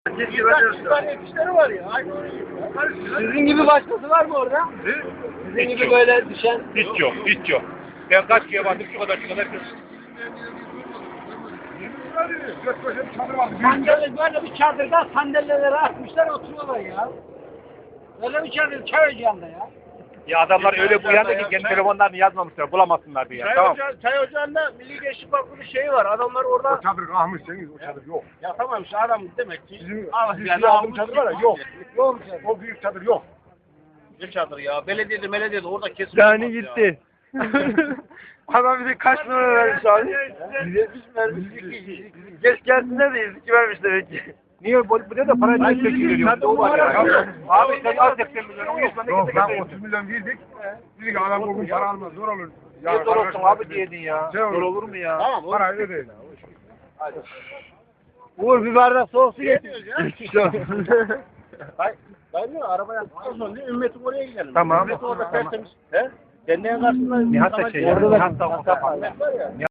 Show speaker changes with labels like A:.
A: Yetişleri var ya. Sizin gibi başkası var mı orada? Sizin
B: Hiç
A: gibi
B: yok.
A: böyle düşen.
B: Hiç yok, hiç yok. Ben kaç kere baktım şu kadar.
A: Sandalye böyle bir çadırda sandalyeleri atmışlar oturuyorlar ya. Böyle bir çadır çay ocağında ya.
B: Ya adamlar öyle bu yanda ki kendi telefonlarını yazmamışlar, bulamasınlar diye. Tamam.
A: Çay ocağında Milli Gençlik Vakfı bir şey var. Adamlar orada.
C: O çadır kalmışsınız, o çadır yok.
A: Ya tamam işte adam demek ki.
C: Bizim
A: Yani
C: aldığım çadır var ya, yok.
A: Yok mu çadır?
C: O büyük çadır yok.
A: Ne çadır ya? Belediyede orada kesin.
D: Yani gitti. Adam bize kaç numara vermiş abi? Bize hiç vermiş. Geç gelsinler de 102 vermiş demek ki.
B: Niye bu ne de para niye çekiliyor? O var ya. Abi sen al 80 milyon, o 100 milyon
C: Yok,
B: ne
C: ben
B: getireyim?
C: 30 milyon verdik. Dedik ki adam bugün para almaz, zor olur.
B: Niye zor olsun abi diyedin ya?
C: Şey olur.
B: Zor olur mu ya?
A: Tamam.
C: Para öyle değil.
D: Uğur bir bardak soğuk su getir.
A: Ben diyor arabaya sonra ümmetim oraya gidelim.
B: Tamam.
A: Ümmet orada tertemiz. He? Derneğin karşısında
B: Nihat da şey ya.
A: orada da
B: Nihat da
A: var ya.